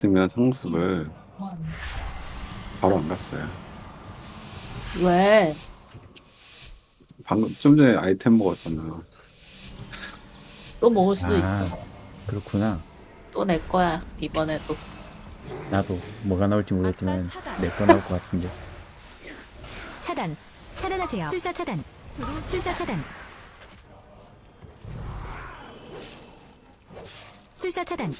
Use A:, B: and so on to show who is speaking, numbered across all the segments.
A: 쓰면 상습을 바로 안 갔어요.
B: 왜?
A: 방금 좀 전에 아이템 먹었잖아.
B: 또 먹을 수 있어.
C: 아, 그렇구나.
B: 또 내 거야, 이번에도.
C: 나도 뭐가 나올지 모르겠지만 내 거 나올 것 같은데.
D: 차단. 차단하세요. 술사 차단. 술사 차단. 술사 차단.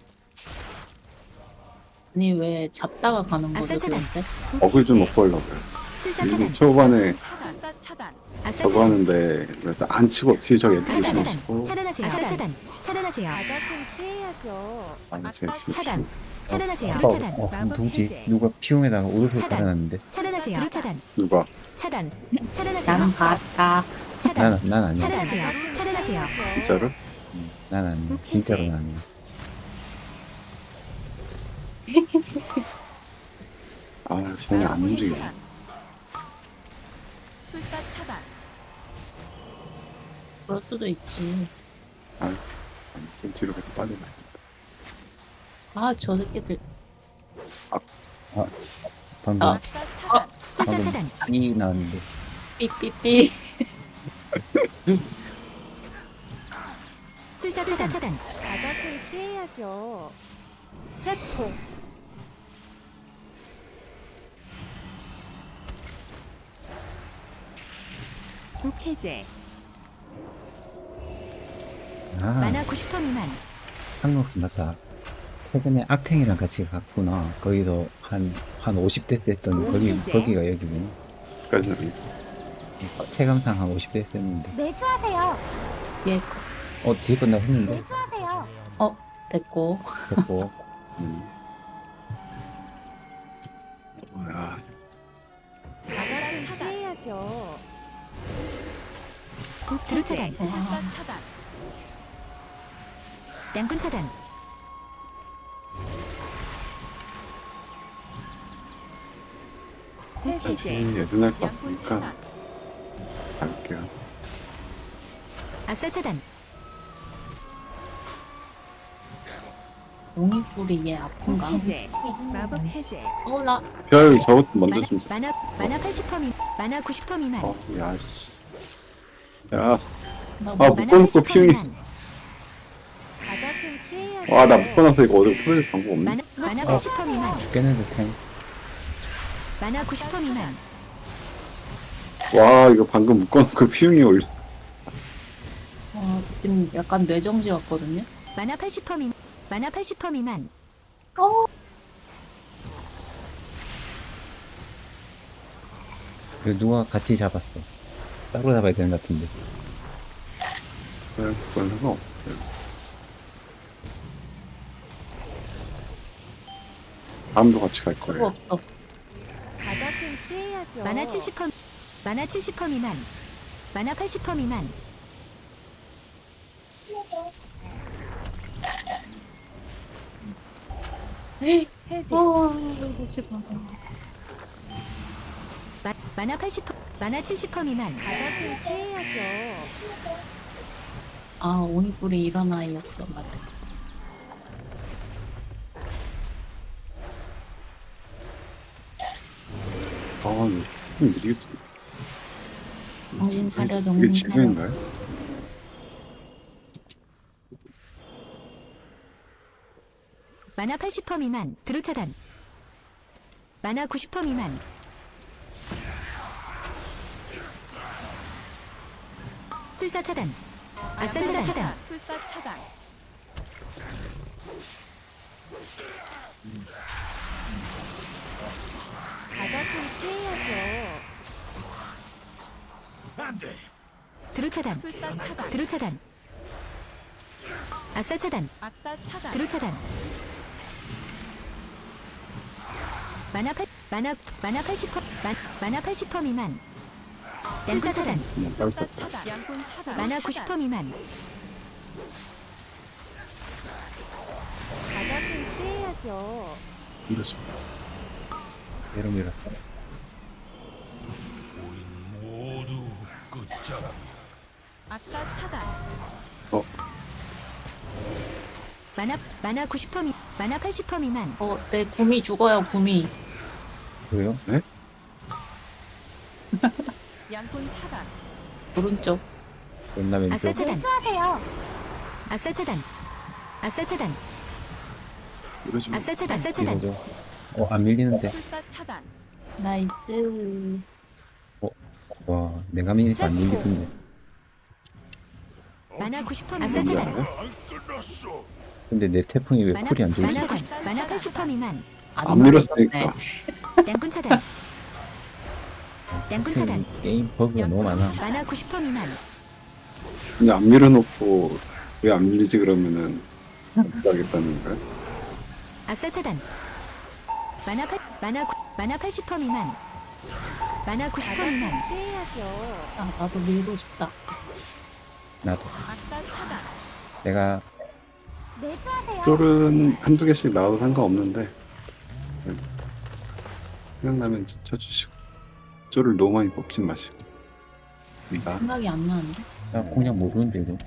B: 아니, 왜 잡다가 가는 거죠,
D: 아싸, 차단.
B: 도대체?
A: 먹을 좀 먹고 하려고요.
D: 술사
A: 이게
D: 차단.
A: 초반에
D: 아싸 차단.
A: 저거 하는데 안 치고 뒤에 저기
D: 아싸
A: 뒤에
D: 차단.
A: 치고
D: 차단하세요. 아싸 차단. 차단하세요.
E: 바닥은 피해야죠.
A: 아니 제
D: 차단. 차단하세요.
C: 어,
D: 드루 차단.
C: 누구지? 누가 피용에다가 옷을
D: 차단.
C: 깔아놨는데.
D: 차단하세요. 드루 차단.
A: 누가
D: 차단. 차단하세요.
B: 난 봤다.
D: 차단.
C: 난 아니야.
D: 차단하세요. 차단하세요.
A: 진짜로?
C: 난 아니야. 진짜로는 아니야.
A: 아 저는 안 움직여.
E: 술사 차단.
B: 그럴 수도 있지.
A: 아 좀 뒤로 계속 빠지네.
B: 아, 저 새끼들.
C: 방금
B: 아.
E: 아싸 차단.
D: 술사
C: 방금
D: 차단.
C: 이 나왔는데.
B: 삐삐삐.
D: 술사 차단.
E: 바닥은 피해야죠. 쇠포.
D: 해제.
C: 아,
D: 만화 90% 미만.
C: 한국수 맞다. 최근에 악탱이랑 같이 갔구나. 거기서 한 50대 했더니 거기가 여기구나.
A: 까지는
C: 체감상 한 50대 했는데.
D: 매주하세요.
B: 얘,
C: 뒤에 건나 했는데.
D: 매주하세요.
B: 됐고.
C: 됐고.
A: 뭐야?
E: 바닥은 피해야죠.
D: 드루 차단.
E: 술사 차단.
D: 양꾼 차단.
E: 해제.
A: 예전할 것
E: 양손
A: 같으니까
E: 차단.
A: 잡을게요.
D: 아싸 차단.
B: 옹이뿔이 얘 아픈가?
E: 해제. 마법 해제.
B: 나,
A: 별 저것도 먼저 좀.
D: 만화 80% 미만. 만화 90% 미만.
A: 야씨. 자,
B: 나
A: 아
B: 뭐,
A: 묶어놓고 피우니.
E: 바닥은 피해야죠.
A: 와나 묶어놔서 이거 어디로 풀어줄 방법 없네.
D: 만화 80% 미만.
C: 죽겠는데 탱.
D: 만화 90% 미만.
A: 와 이거 방금 묶어놓고 피우니 올려.
B: 지금 약간 뇌정지 왔거든요?
D: 만화 80% 미만. 만화 80% 미만.
C: 그 누가 같이 잡았어. 따로 잡아야 되는 것 같은데.
A: 그건 상관없어요. 다음도 같이 갈
B: 그거
A: 거예요.
B: 없어.
E: 바닥은 피해야죠.
D: 만화 70%. 만화 70% 미만. 만화 80% 미만.
B: 에이,
E: 해제.
D: 만화 80%. 만화 70% 미만.
E: 바닥은 피해야죠.
B: 옹이뿔이 이런 아이였어, 맞아.
A: 좀 느리겠어.
B: 정신 차려,
A: 이게
B: 정신 차려.
A: 지금인가요?
D: 만화 80% 미만. 드루 차단. 만화 90% 미만. 술사 차단. 아싸 차단.
E: 술사 차단. 바닥은 피해야죠.
D: 드루 차단.
E: 술사 차단.
D: 드루 차단. 아싸 차단.
E: 악사 차단.
D: 드루 차단. 만화 80% 만화 80% 미만. 술사 차단.
A: 그냥
E: 술사
A: 짧게.
E: 차단. 양꾼 차단.
D: 만화 90% 미만.
E: 바닥은 피해야죠.
A: 힘들죠.
C: 얘로 밀었어.
E: 악사 차단.
A: 어
D: 만화 90% 미. 만화 80% 미만.
B: 내 구미 죽어요, 구미.
C: 그래요?
E: 양꾼 차단.
B: 오른쪽.
C: 존나
D: 아싸
C: 왼쪽.
D: 차단.
E: 매수하세요.
D: 아싸 차단. 아싸 차단.
A: 이러지 마.
D: 아싸 차단. 아싸 차단.
C: 이거죠. 안 밀리는데.
E: 술사 차단.
B: 나이스.
C: 와, 내가 미니까 안 밀리던데.
D: 만화 90%
A: 뭔지
D: 미만. 아싸 차단.
A: 알아요?
C: 근데 내 태풍이 왜 쿨이 안 좋지?
D: 만화 80% 미만.
A: 안 밀었으니까.
D: 양꾼 차단. 양꾼 차단.
C: 게임 버그가 너무 많아.
D: 만화 90% 미만.
A: 근데 안 밀어놓고 왜 안 밀리지 그러면은 어떻게 하겠다는 거야?
D: 아싸 차단. 만화 80% 미만. 만화 90% 미만.
E: 피해야죠.
B: 아, 나도 밀고 싶다.
C: 나도.
E: 아싸 차단.
C: 내가
E: 매수하세요.
A: 쫄은 한두 개씩 나와도 상관없는데 네. 생각나면 쳐주시고 쫄을 너무 많이 뽑진 마시고 나
B: 생각이 안 나는데.
C: 나 그냥 모르는데 이거.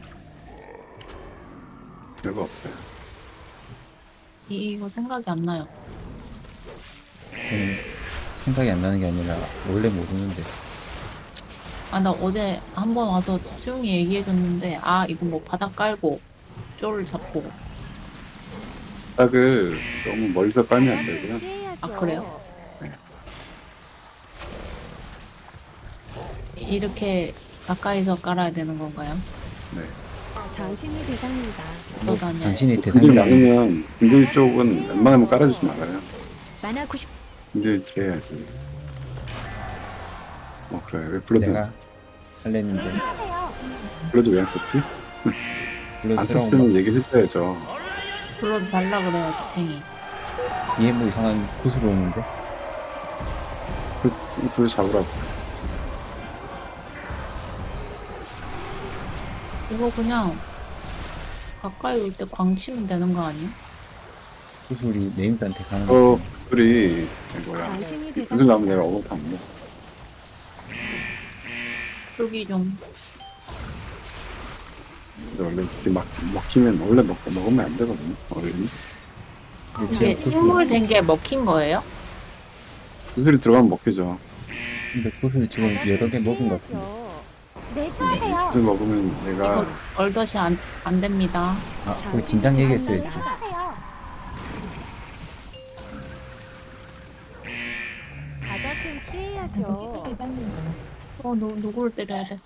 A: 별거 없어요.
B: 이거 생각이 안 나요.
C: 저는 생각이 안 나는 게 아니라 원래 모르는데.
B: 아, 나 어제 한 번 와서 수영이 얘기해줬는데, 아, 이거 뭐 바닥 깔고, 쫄을 잡고.
A: 딱을 너무 멀리서 빨면 안 되고요.
E: 피해야죠.
B: 아, 그래요? 이렇게 가까이서 깔아야 되는 건가요?
A: 네.
E: 당신이 대상입니다.
B: 또 다녀요.
C: 당신이
A: 근딜
C: 대상이
A: 많으면 근딜 쪽은 웬만하면 깔아주지 말아요.
D: 만화 90.
A: 근딜 해야지. 그래 왜 블러드
C: 내가 할랬는데
E: 매수하세요.
A: 블러드 왜 안 썼지?
C: 블러드
A: 안
C: 들어온
A: 썼으면 얘기를 해줘야죠.
B: 불러도 달라 그래야지, 팽이.
C: 얘 뭐 이상한 구슬 오는데.
A: 둘 잡으라고.
B: 이거 그냥 가까이 올 때 광치면 되는 거 아니야?
C: 구슬이 네임드한테 가는 거.
A: 둘이 뭐야?
E: 당신이
A: 둘
E: 대상입니다.
A: 나면 내가 어묵 안 먹어.
B: 여기 좀.
A: 근데 원래 이렇게 막 먹히면 원래 먹으면 안 되거든요. 어른이.
B: 이게 식물 된 게 먹힌 거예요?
A: 구슬이 들어가면 먹히죠.
C: 근데 구슬 지금 여러 개 먹은 것 같은데.
E: 피해야죠. 매수하세요.
A: 구슬 먹으면 내가
B: 이거 얼덧이 안 됩니다.
C: 아, 거기 진작 얘기했어야지.
E: 매수하세요. 바닥은 피해야죠.
B: 누구를 때려야 돼?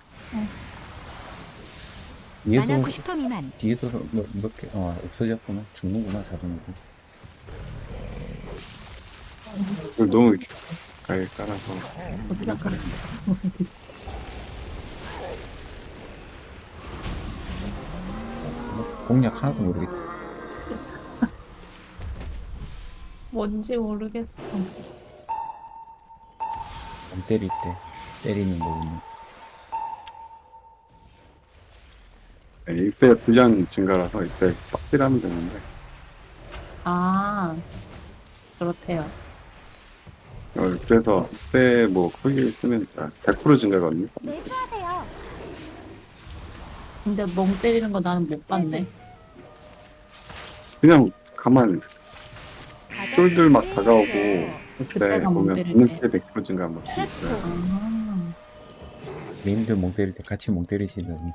D: 만화
C: 뒤에도
D: 90% 미만.
C: 뒤에도 몇 개, 없어졌구나. 죽는구나, 자동으로.
A: 그걸 너무 이렇게 가까이 깔아서
B: 어디가 깔아?
C: 공략 하나도 모르겠다.
B: 뭔지 모르겠어.
C: 안 때릴 때 때리는 거군요.
A: 이때 분량 증가라서 이때 빡딜하면 되는데
B: 아, 그렇대요.
A: 그래서 이때 뭐 크게 쓰면 100% 증가거든요.
E: 매수하세요.
B: 근데 멍 때리는 거 나는 못 봤네.
A: 그냥 가만
E: 바닥은
A: 쫄들 막
E: 피해야죠.
A: 다가오고 그때
B: 그때가 못
A: 보면
B: 때릴
A: 보는
B: 때.
A: 때 100% 증가 한번 있어요.
B: 아,
C: 메인들 멍 때릴 때 같이 멍 때리시더니.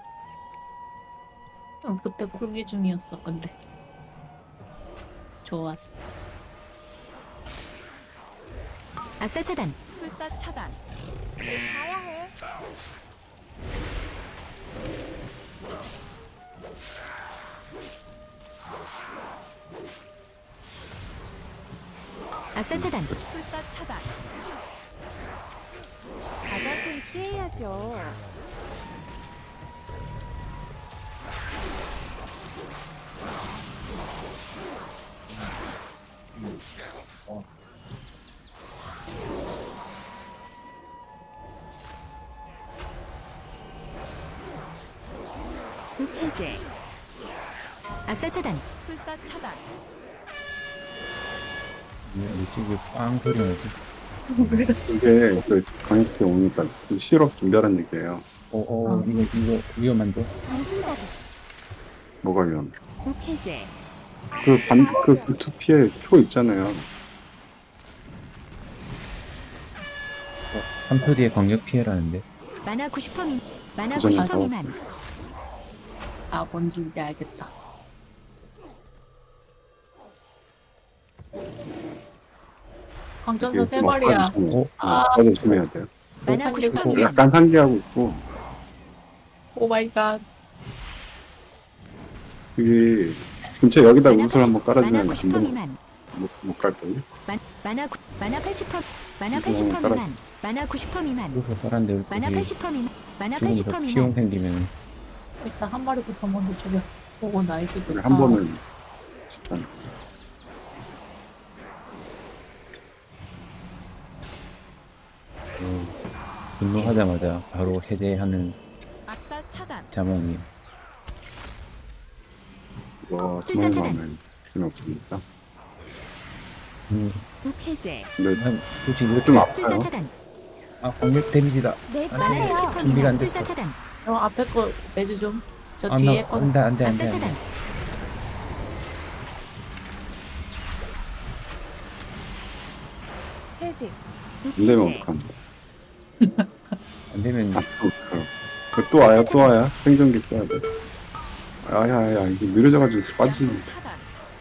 B: 그때 쿨기 중이었어, 근데. 좋았어.
D: 아싸 차단.
E: 술사 차단. 가야 해.
D: 아싸 차단.
E: 술사 차단. 바닥은 피해야죠. 해제.
D: 아싸 차단.
E: 술사 차단.
C: 뭐지, 이게 빵 소리 나지?
A: 이게 그 강력히 오니까 좀 실업 준비하라는 얘기예요.
C: 이거 위험한데?
E: 정신자극.
A: 뭐가 위험?
E: 독 해제.
A: 그 투피에 표 있잖아요.
C: 3초 뒤에 광역 피해라는데.
D: 만화 90% 미 만화
A: 그 전에
D: 90%
A: 나왔어요.
D: 미만.
B: 아, 뭔지 이제 알겠다. 광전사 세 마리야. 아.
A: 아, 조심해야 돼요.
D: 만화 90%
B: 그리고
D: 미만.
A: 약간 상기하고 있고,
B: 오 마이 갓.
A: 여기 근처에 여기다
D: 만화
A: 우슬 한번
D: 90%
A: 깔아주면
D: 만화 90%
A: 금방
D: 미만.
A: 못 갈걸요?
D: 만화 80% 만화
A: 이거
D: 80%
A: 깔아-
D: 미만. 만화 90% 미만.
C: 그래서 사람들
D: 만화
C: 여기
D: 80% 미만. 만화
C: 죽으면서
D: 80%
C: 피용
D: 미만.
C: 생기면
B: 일단 한 마리부터 먼저 죽여. 오고 나이스 좋다.
A: 한 번은 집단.
C: 분노하자마자 바로 해제하는
E: 악사 차단.
C: 자몽이.
A: 이거
D: 술사
A: 정말
D: 차단.
A: 마음에 필요 없습니다.
E: 독해제.
A: 근데
C: 난 솔직히
A: 좀
C: 이렇게
D: 술사
A: 아파요.
D: 차단.
C: 광역 데미지다.
D: 만화
C: 네.
D: 70%
C: 준비가 안
D: 미만.
C: 됐어.
D: 술사 차단.
B: 저 앞에 거 매주 좀. 저
C: 아,
B: 뒤에
C: 나
B: 거.
C: 안돼 안돼
D: 악사
C: 안돼.
D: 차단.
E: 해제.
A: 안 되면
E: 독해제.
A: 어떡함.
C: 안 되면
A: 아, 또 와요, 또 와요. 생존기 써야 돼. 아야야, 이게 느려져가지고 빠지는.
E: 양손 차단.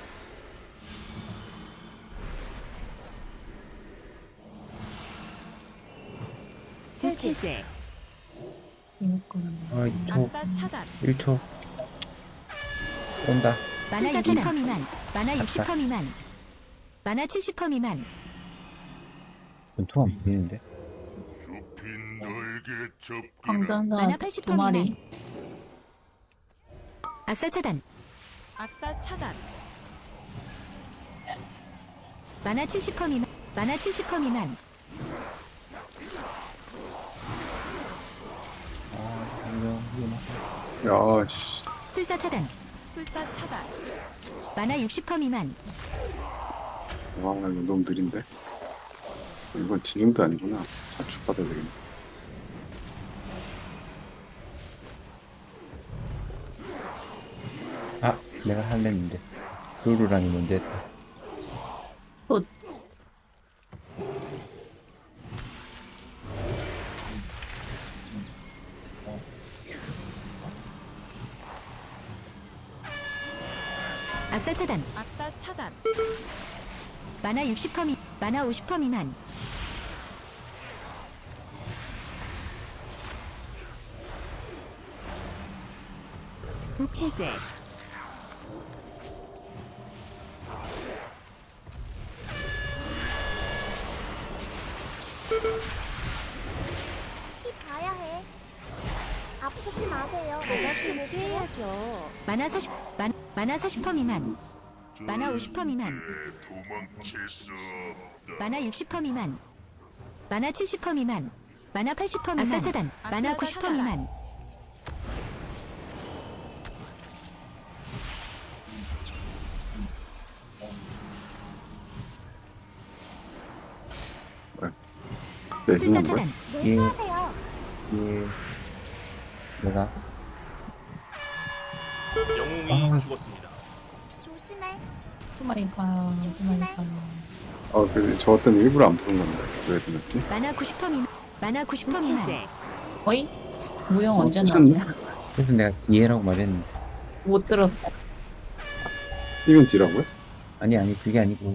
E: 독해제.
B: 이거는
C: 아 2초
E: 악사 차단.
C: 1초 온다.
D: 만화
B: 술사
D: 60%
B: 차단.
D: 미만. 만화 60% 미만. 만화 70% 미만.
C: 전투가 안 보이는데.
B: 광전사
D: 만화 80%
B: 두 마리.
D: 미만. 악사 차단.
E: 악사 차단.
D: 만화 70% 미만. 만화 70% 미만.
A: 야, 씨.
D: 술사 차단.
E: 술사 차단.
D: 만화 60% 미만.
A: 와, 이거 너무 느린데? 이건 지금도 아니구나. 자축받아야 되겠네.
C: 아 내가 할랬는데 루루랑이 먼저 했다.
B: 또
D: 악사 차단.
E: 악사 차단.
D: 만화 60% 미. 만화 50% 미만.
E: 독해제.
F: 피 봐야 해. 아프지 마세요.
E: 바닥은 피해야죠.
D: 만화 40. 만화 40% 미만. 만화 50% 미만. 만화 60% 미만. 만화 70% 미만. 만화 80% 미만. 악사 차단. 만화 90% 미만.
A: 네,
D: 술사
A: 이건 뭐야?
D: 차단.
F: 내주하세요.
C: 예. 내가
G: 영웅이 죽었습니다.
F: 조심해.
B: 투마리가 투마리가.
A: 저 때문에 일부러 안 푸는 건데. 왜 그랬지?
D: 만화 90% 미만. 만화 90% 미만.
E: 독해제.
B: 어이? 무용 언제
A: 괜찮네.
B: 나왔냐?
C: 그래서 내가 뒤에라고 말했는데.
B: 못 들었어.
A: 이건 뒤라고요?
C: 아니 그게 아니고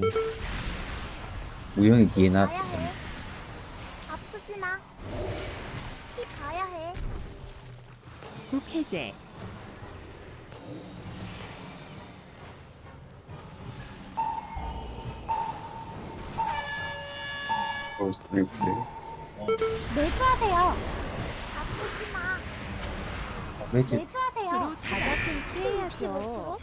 C: 우영이 뒤에 나.
F: 봐야 해. 아프지 마. 피 봐야 해.
E: 독해제.
A: 이렇게.
F: 내주하세요. 아프지 마.
C: 왜지?
F: 내주하세요.
E: 두루 자각은 피해야죠.
F: 65%.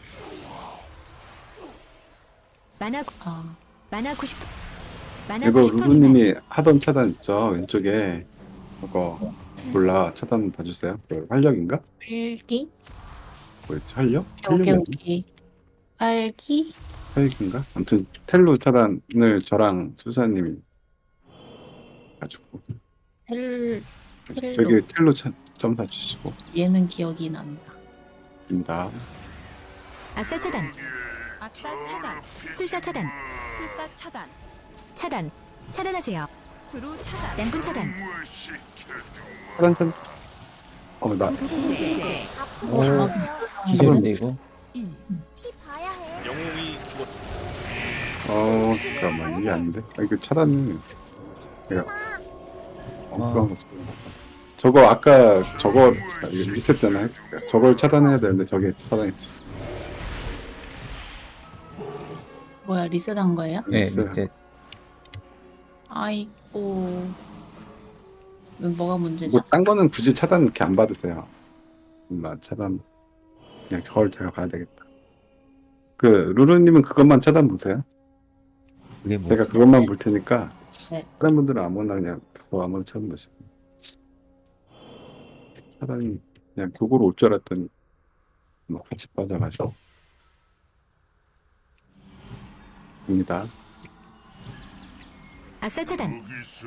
D: 만화
B: 아,
D: 만화 90. 만화
A: 이거
D: 90% 미만.
A: 루루님이 하던 차단 있죠? 왼쪽에. 그거 몰라. 차단 봐주세요. 활력인가?
B: 활기?
A: 뭐였지? 활력?
B: 오케이
A: 활력이
B: 오케이. 활기?
A: 활력인가? 아무튼 텔로 차단을 저랑 수사님이 가지고
B: 텔로.
A: 저기 텔로 점사 주시고
B: 얘는 기억이 납니다.
A: 입니다.
D: 악사 차단.
E: 악사 악사 차단.
D: 술사 차단.
E: 술사 차단.
D: 차단. 차단하세요.
E: 드루 차단.
D: 양분 차단.
A: 차단. 나
E: 해제.
F: 아프지
C: 오.
F: 마세요.
C: 기절인데 이거?
E: 인.
F: 피 봐야 해.
G: 영웅이 죽었습니다.
A: 잠깐만 이게 아닌데. 이거 차단은 내가 엉뚱한 거 찾았나. 저거 아까 저거 리셋 때나 해볼게요. 저걸 차단해야 되는데 저게 차단이 됐어.
B: 뭐야, 리셋한 거예요?
C: 네,
A: 있어요.
C: 이제
B: 아이고. 뭐가 문제죠?
A: 뭐 딴 거는 굳이 차단 이렇게 안 받으세요. 차단 그냥 저걸 제가 봐야 되겠다. 그 루루님은 그것만 차단 보세요.
C: 그게 뭐?
A: 제가 그것만 볼 테니까
B: 네.
A: 다른 분들은 아무나 그냥 아무나 차단 보시고. 차단이 그냥 교고로 올 줄 알았더니 뭐 같이 빠져가지고. 입니다.
D: 악사 차단.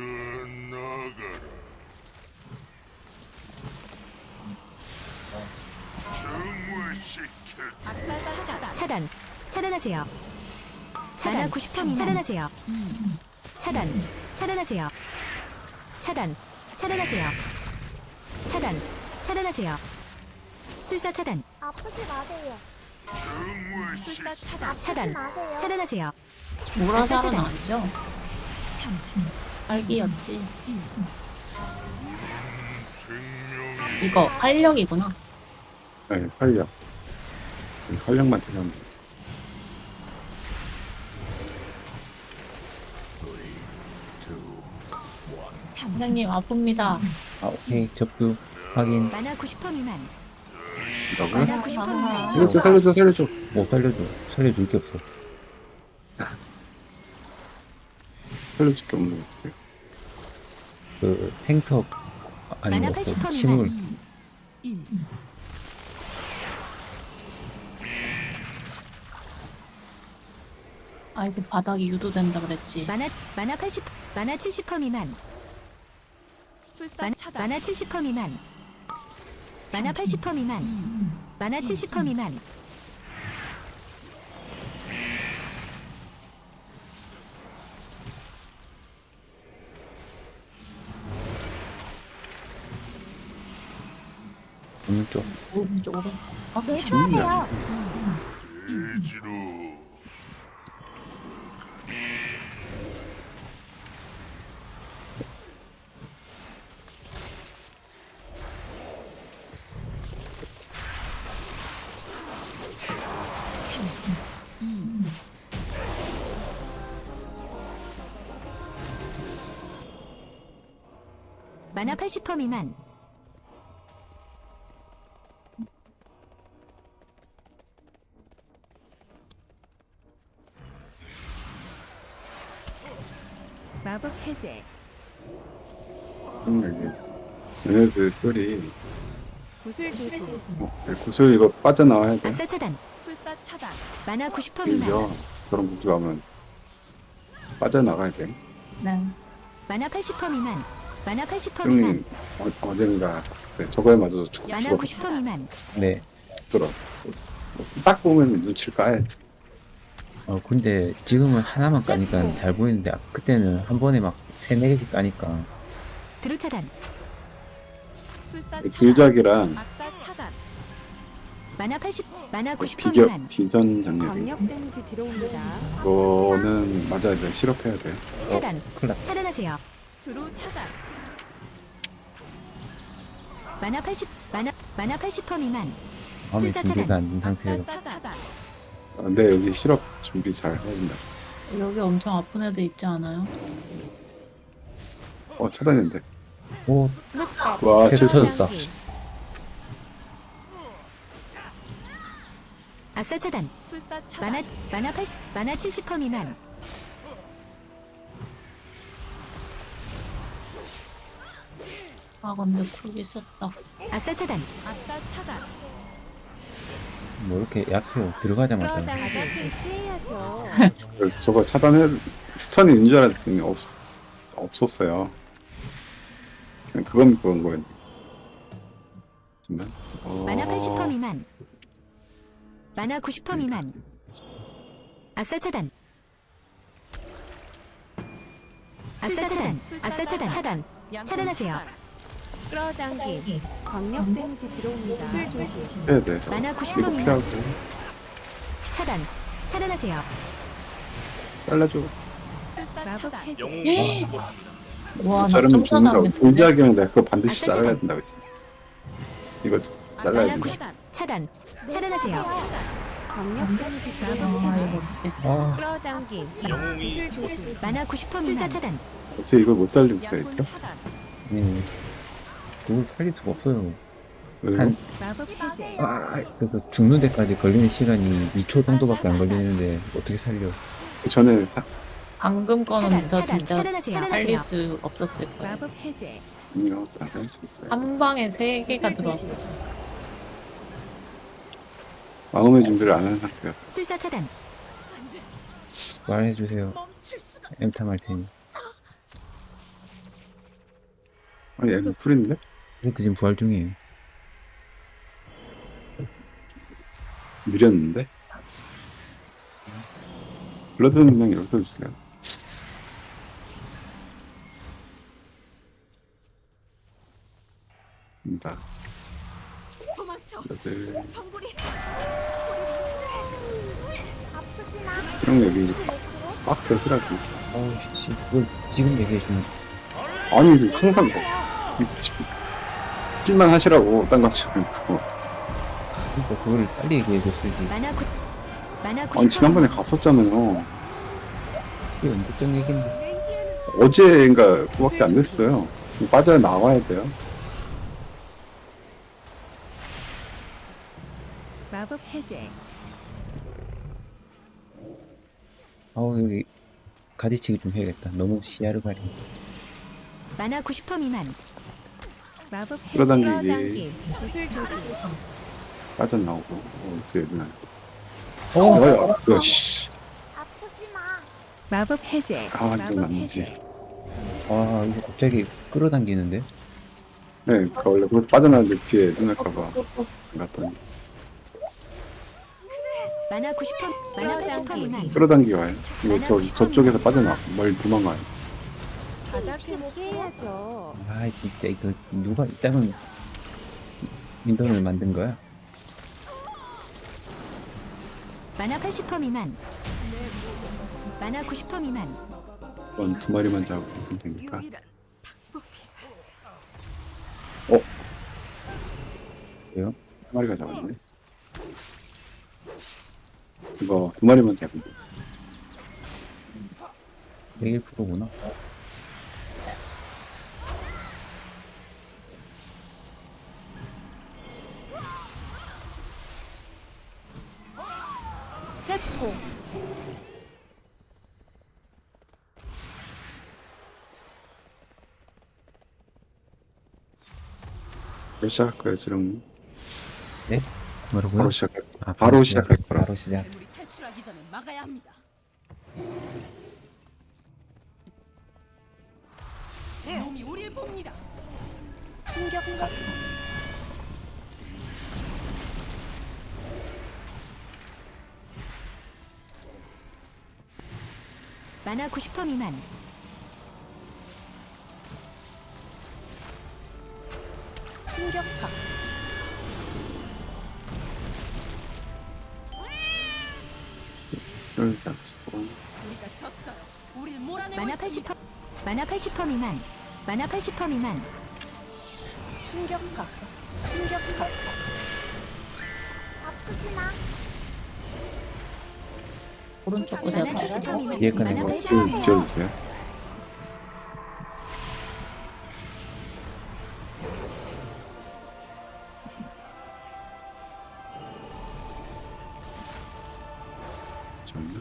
E: 악사 차단.
D: 차단. 차단하세요. 차단 90% 미만. 차단하세요. 차단. 차단하세요. 차단. 차단하세요. 차단. 차단하세요. 술사 차단.
F: 아프지 마세요.
E: 술사 차단.
D: 차단.
F: 마세요.
D: 차단하세요.
B: 모라살은
D: 차단.
B: 아니죠? 딸기였지. 이거 활력이구나.
A: 네, 활력. 활력만 들어가면 돼요.
B: 선생님 아픕니다.
C: 아, 오케이. 접수 확인.
D: 만화 90% 미만.
A: 뭐라고요?
D: 만화 90% 미만.
A: 살려줘.
C: 못 살려줘. 살려줄 게 없어.
A: 살려줄 게 없는 것 같아요.
C: 그 행석 아니
D: 만화
C: 뭐
D: 80% 미만.
C: 침울.
E: 인.
B: 아이고, 바닥이 유도된다 그랬지.
D: 만화 80. 만화 70% 미만.
E: 술사 차단.
D: 만화 70% 미만. 만화 80% 미만. 만화 70% 미만.
C: 오른쪽.
B: 오른쪽으로.
F: 네, 좋아하세요.
D: 만화 80% 미만.
E: 마법 해제.
A: 얘네들 뿔이
E: 구슬 조심.
A: 구슬 이거 빠져나와야 돼.
D: 악사 차단.
E: 술사 차단.
D: 만화 90% 미만.
A: 이거 저런 구슬 가면 빠져나가야 돼.
B: 네.
D: 만화 80% 미만. 만화 80% 미만.
A: 형님 어젠가 네, 저거에 맞아서
D: 만화 90% 미만.
C: 네.
A: 죽더라. 딱 보면 눈치를 까야지.
C: 근데 지금은 하나만 까니까 잘 보이는데 그때는 한 번에 막 3-4개씩 까니까
D: 드루 차단.
E: 술사 차단.
A: 길작이랑
E: 악사 차단.
D: 만화 80. 만화 90% 미만.
A: 비전 장력이
E: 광역 데미지 들어옵니다.
A: 이거는 맞아야 돼. 실업해야 돼.
D: 차단.
C: 큰일 났다.
D: 차단하세요.
E: 드루 차단.
D: 만화 80. 만화 80% 미만.
C: 마음의
D: 술사
C: 준비가
D: 차단.
C: 안 된 상태로
E: 악사 차단.
A: 근데 여기 실업 준비 잘 해야 된다.
B: 여기 엄청 아픈 애들 있지 않아요?
A: 차단인데.
C: 오
A: 와,
C: 캡
A: 최초.
C: 터졌다.
D: 악사 차단.
E: 술사 차단.
D: 만화 80. 만화 70% 미만.
B: 아, 근데 쿨이 썼다.
D: 악사 차단.
E: 악사 차단.
C: 뭐 이렇게 약해요. 들어가자마자
E: 바닥은 피해야죠.
A: 그래서 저거 차단해 스턴이 있는 줄 알았더니 없었어요. 그냥 그건 거였네. 잠깐만.
D: 만화 80% 미만. 만화 90% 미만. 악사 차단. 악사 차단. 악사 차단. 차단. 차단하세요.
E: 끌어당김. 광역 데미지 들어옵니다. 구슬 조심.
A: 해야 돼.
D: 만화
A: 이거
D: 90% 미만.
A: 피하고
D: 차단. 차단하세요.
A: 잘라줘.
E: 술사
D: 마법
E: 차단.
D: 해제.
G: 영웅이 죽었습니다.
B: 와, 나
A: 자르면
B: 좀
A: 죽는다고.
B: 차단하겠는데?
A: 돌지하기는 내가 그거 반드시
D: 아싸,
A: 잘라야
D: 차단.
A: 된다고 했지. 이거 잘라야
D: 만화
A: 된다.
D: 90. 차단. 차단하세요.
E: 광역 데미지
B: 아,
E: 들어옵니다.
B: 이거 어떡해.
C: 아,
E: 끌어당김.
G: 영웅이
E: 구슬 조심.
D: 만화 90% 술사 차단.
A: 어떻게 이걸 못 살리고 있어,
E: 약혼
A: 이거?
E: 차단.
C: 네. 그걸 살릴 수가 없어요.
A: 왜?
C: 한,
E: 마법 해제.
C: 그래서 죽는 데까지 걸리는 시간이 2초 정도밖에 안 걸리는데 어떻게 살려?
A: 그 전에
B: 방금 거는
D: 차단,
B: 저
D: 차단,
B: 진짜
D: 차단하세요.
B: 살릴 수 없었을 거예요.
E: 마법 해제.
A: 이거 안할 수 있어요.
B: 한 방에 3개가 들어왔어.
A: 마음의 준비를 안 한 상태야.
D: 술사 차단.
C: 말해주세요. 엠탐 할 테니.
A: 아니, 얘는 풀인데?
C: 그래도 지금 부활 중이에요.
A: 미렸는데? 블러드 능력 여기서 주세요. 입니다. 블러드.
F: 아프지 마.
A: 이런 거 여기
F: 95%?
A: 박스 히라고.
C: 어우, 씨, 그걸 지금 얘기해주면.
A: 아니, 이거 항상 뭐, 찔만 하시라고, 딴 거 하지 말고.
C: 그러니까 그거를 빨리 얘기해줬어야지.
D: 만화 90.
A: 아니, 지난번에 갔었잖아요.
C: 그게 언제적 얘긴데.
A: 어제인가 그밖에 안 됐어요. 빠져 나와야 돼요.
E: 마법 해제.
C: 아우, 여기 가지치기 좀 해야겠다. 너무 시야를 가리.
D: 만화 90% 미만.
E: 마법 해제.
A: 끌어당기기.
E: 끌어당김. 구슬 조심.
A: 빠져나오고. 어떻게 해야 되나.
C: 어?
A: 뭐야, 씨.
F: 아프지 마.
E: 마법 해제.
A: 아, 이건
E: 마법
A: 아니지.
E: 해제.
C: 아, 이거 갑자기 끌어당기는데?
A: 네, 그러니까 원래 거기서 빠져나왔는데 뒤에 눈날까봐 안 갔더니.
D: 만화 90%. 만화 80% 미만.
A: 끌어당기 와요. 이거 저쪽에서 빠져나와. 멀리 도망가요.
E: 바닥을 피해야죠.
C: 아, 진짜 이거 누가 이따금 인턴을 만든 거야?
D: 만화 80% 미만. 만화 90% 미만.
A: 이건 2마리만 잡으면 되니까.
C: 왜요?
A: 1마리가 잡았네. 이거 2마리만 잡으면 돼.
C: 101%구나.
E: 쇠포.
A: 바로 시작할 거예요, 지금.
C: 네? 뭐라고요?
A: 바로 시작할 거예요.
C: 아,
A: 바로 시작할 거라.
C: 바로 시작.
H: 우리 탈출하기 전에 막아야 합니다. 놈이 우릴 봅니다.
E: 충격파.
D: 만화 90% 미만.
E: 충격파.
A: 이걸 잡고.
H: 우리가 졌어요. 우릴 몰아내고
D: 만화
H: 있습니다.
D: 80%. 만화 80% 미만. 만화 80% 미만.
E: 충격파. 충격파.
F: 아프지 마.
B: 오른쪽 보세요.
D: 만화 70% 미만.
C: 뒤에 거는
D: 만화
C: 뭐
D: 80%
A: 좀
D: 미만.
A: 지어주세요. 저는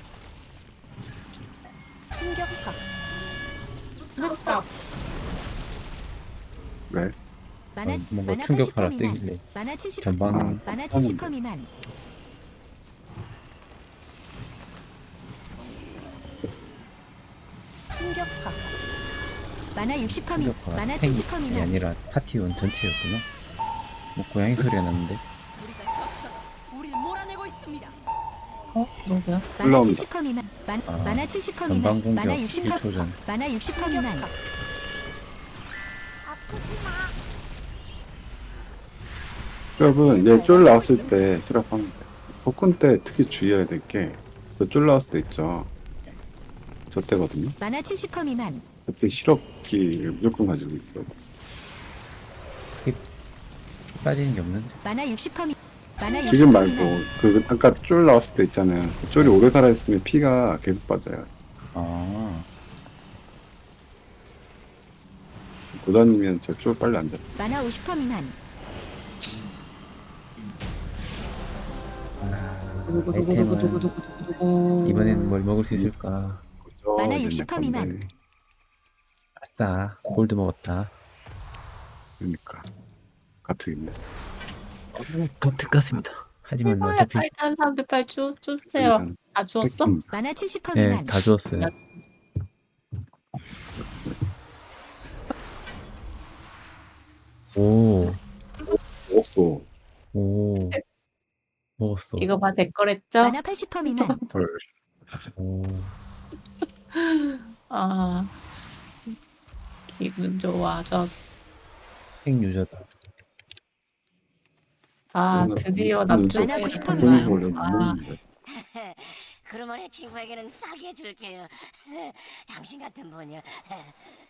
E: 충격파.
B: 그러니까
A: 왜?
D: 만화
C: 뭔가
D: 만화
C: 충격파라
D: 80% 미만.
C: 뜨길래
D: 만화 70%.
C: 전방
D: 만화 70% 미만.
E: 충격파.
D: 만화 60% 미만.
C: 충격파가
D: 만화
C: 탱이
D: 70% 미만.
C: 아니라 파티원 전체였구나. 뭐 고양이 소리가 났는데.
H: 우리가 졌어요. 우릴 몰아내고 있습니다.
B: 누구야?
D: 만화
A: 올라온다.
D: 70% 미만.
C: 아,
D: 만화 70%
C: 전방
D: 미만.
C: 공격
D: 만화 60%
C: 1초 전.
D: 만화 60% 미만.
F: 아프지 마.
A: 여러분 얘쫄 나왔을 때 트랩하면 돼. 복근 때 특히 주의해야 될 게 쫄 나왔을 때 있죠. 저 때거든요.
D: 만화 70% 미만.
A: 그때 실업기 무조건 가지고 있어요.
C: 빠지는 게 없는데.
D: 만화 60% 미. 만화 60%
A: 지금 말고
D: 미만.
A: 그 아까 쫄 나왔을 때 있잖아요. 그 쫄이 오래 살아있으면 피가 계속 빠져요.
C: 아,
A: 고단이면 저 쫄 빨리 안 잡.
D: 만화 50% 미만.
C: 아이템은
B: 누구.
C: 이번에는 뭘 먹을 수 있을까?
D: 만화 60% 미만.
C: 아싸, 골드 먹었다.
A: 그러니까 같은
C: 같은 같습니다. 하지만
B: 해봐야
C: 어차피
B: 빨리 사람들 빨리 주세요. 다 주웠어?
D: 만화 70%
C: 네,
D: 미만.
C: 다 주었어요. 오,
A: 없고
C: 오, 먹었어.
B: 이거 봐, 제 거랬죠?
D: 만화 80% 미만.
A: 헐.
C: 오,
B: 아, 기분 좋아졌어.
C: 핵유저다.
B: 아, 드디어 납주해.
D: 만화 90%
A: 돈이
D: 미만.
A: 원래 못
B: 아,
A: 먹는데.
I: 그러면 내 친구에게는 싸게 줄게요. 당신 같은 분이요.